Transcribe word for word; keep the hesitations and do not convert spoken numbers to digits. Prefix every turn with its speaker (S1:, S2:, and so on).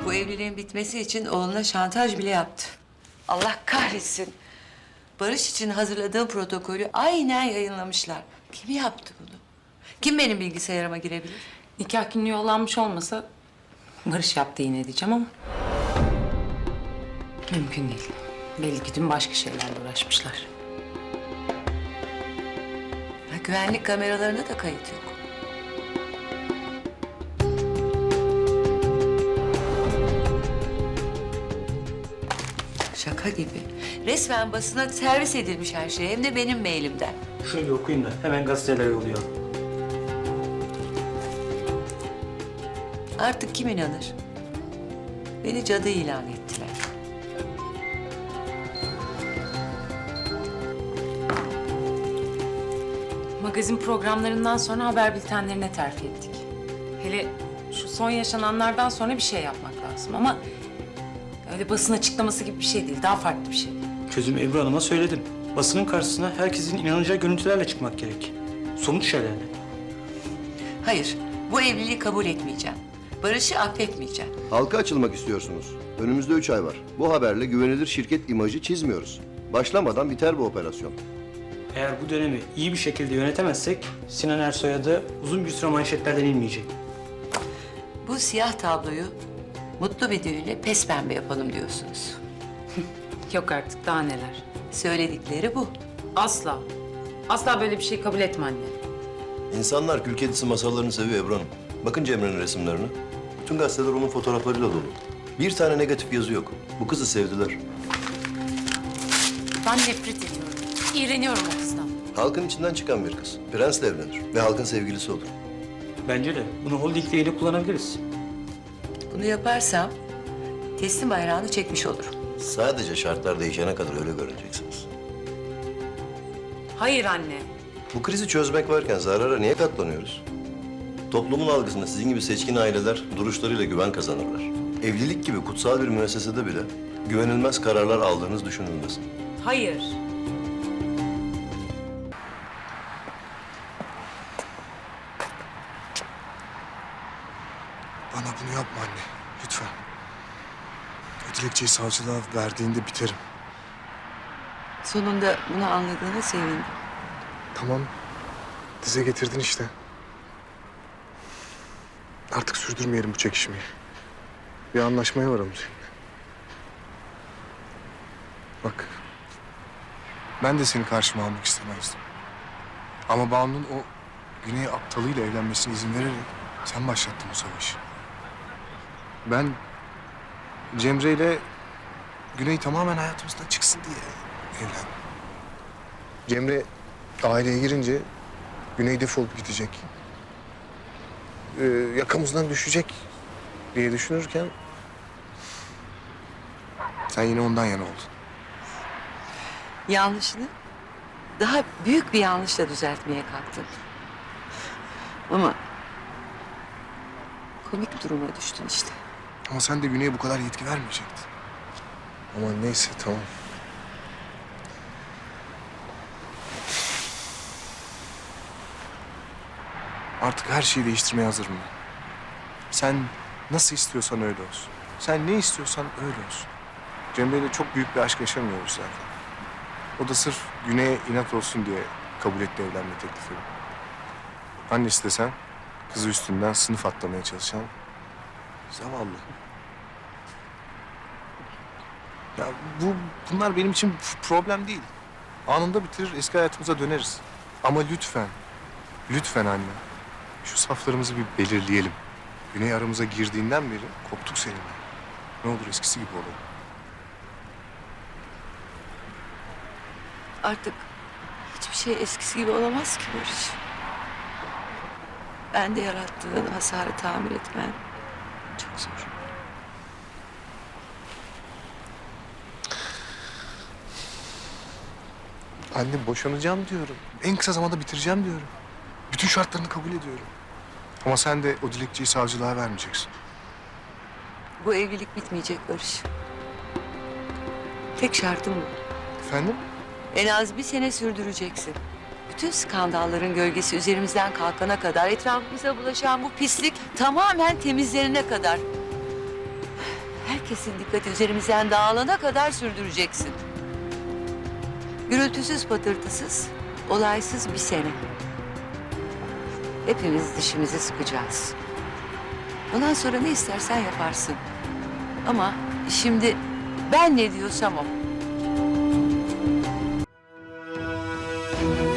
S1: Bu evliliğin bitmesi için oğluna şantaj bile yaptı. Allah kahretsin. Barış için hazırladığım protokolü aynen yayınlamışlar. Kim yaptı bunu? Kim benim bilgisayarıma girebilir?
S2: Nikah günü yollanmış olmasa Barış yaptı yine diyeceğim ama mümkün değil. Belli ki dün başka şeylerle uğraşmışlar.
S1: Ha, güvenlik kameralarına da kayıt yok. Şaka gibi. Resmen basına servis edilmiş her şey. Hem de benim mailimden.
S3: Şunu bir okuyayım da hemen gazetelere yollayalım.
S1: Artık kim inanır? Beni cadı ilan ettiler.
S2: Magazin programlarından sonra haber bültenlerine terfi ettik. Hele şu son yaşananlardan sonra bir şey yapmak lazım ama öyle basın açıklaması gibi bir şey değil, daha farklı bir şey.
S3: Çözüm Ebru Hanım'a söyledim. Basının karşısına herkesin inanacağı görüntülerle çıkmak gerek. Somut şeylerle.
S1: Hayır, bu evliliği kabul etmeyeceğim. Barış'ı affetmeyeceğim.
S4: Halka açılmak istiyorsunuz. Önümüzde üç ay var. Bu haberle güvenilir şirket imajı çizmiyoruz. Başlamadan biter bu operasyon.
S3: Eğer bu dönemi iyi bir şekilde yönetemezsek Sinan Ersoy'a da uzun bir süre manşetlerden inmeyecek.
S1: Bu siyah tabloyu mutlu bir düğünle pes pembe yapalım diyorsunuz.
S2: Yok artık, daha neler.
S1: Söyledikleri bu.
S2: Asla, asla böyle bir şey kabul etme anne.
S4: İnsanlar kül kedisi masallarını seviyor Ebru Hanım. Bakın Cemre'nin resimlerine. Bütün gazeteler onun fotoğraflarıyla dolu. Bir tane negatif yazı yok. Bu kızı sevdiler.
S2: Ben nefret ediyorum, iğreniyorum o kızdan.
S4: Halkın içinden çıkan bir kız. Prensle evlenir ve halkın sevgilisi olur.
S3: Bence de bunu holdingle ile kullanabiliriz.
S1: Bunu yaparsam teslim bayrağını çekmiş olurum.
S4: Sadece şartlar değişene kadar öyle görüneceksiniz.
S2: Hayır anne.
S4: Bu krizi çözmek varken zarara niye katlanıyoruz? Toplumun algısında sizin gibi seçkin aileler duruşlarıyla güven kazanırlar. Evlilik gibi kutsal bir müessesede bile güvenilmez kararlar aldığınız düşünülmesin.
S2: Hayır.
S5: Bana bunu yapma anne, lütfen. O dilekçeyi savcılığa verdiğinde biterim.
S1: Sonunda bunu anladığına sevindim.
S5: Tamam, dize getirdin işte. Artık sürdürmeyelim bu çekişmeyi. Bir anlaşmaya varalım seninle. Bak, ben de seni karşıma almak istemezdim. Ama Banu'nun o Güney aptalıyla evlenmesine izin vererek sen başlattın bu savaşı. Ben Cemre ile Güney tamamen hayatımızdan çıksın diye evlendim. Cemre aileye girince Güney defolup gidecek. Ee, yakamızdan düşecek diye düşünürken sen yine ondan yana oldun.
S1: Yanlışını daha büyük bir yanlışla düzeltmeye kalktın. Ama komik duruma düştün işte.
S5: Ama sen de Güney'e bu kadar yetki vermeyecektin. Ama neyse, tamam. Artık her şeyi değiştirmeye hazırım ben. Sen nasıl istiyorsan öyle olsun. Sen ne istiyorsan öyle olsun. Cemre'yle çok büyük bir aşk yaşamıyoruz zaten. O da sırf Güney'e inat olsun diye kabul etti evlenme teklifini. Annesi de sen, kızı üstünden sınıf atlamaya çalışan zavallı. Ya bu bunlar benim için problem değil. Anında bitirir, eski hayatımıza döneriz. Ama lütfen, lütfen anne, şu saflarımızı bir belirleyelim. Güney aramıza girdiğinden beri koptuk seninle. Ne olur eskisi gibi olalım.
S1: Artık hiçbir şey eskisi gibi olamaz ki Barış. Ben de yarattığın hasarı tamir etmen çok zor.
S5: Anne, boşanacağım diyorum. En kısa zamanda bitireceğim diyorum. Bütün şartlarını kabul ediyorum. Ama sen de o dilekçeyi savcılığa vermeyeceksin.
S1: Bu evlilik bitmeyecek Barış. Tek şartım bu.
S5: Efendim?
S1: En az bir sene sürdüreceksin. Bütün skandalların gölgesi üzerimizden kalkana kadar, etrafımıza bulaşan bu pislik tamamen temizlenene kadar. herkesin dikkati üzerimizden dağılana kadar sürdüreceksin. Gürültüsüz patırtısız, olaysız bir sene. Hepimiz dişimizi sıkacağız. Ondan sonra ne istersen yaparsın. Ama şimdi ben ne diyorsam o.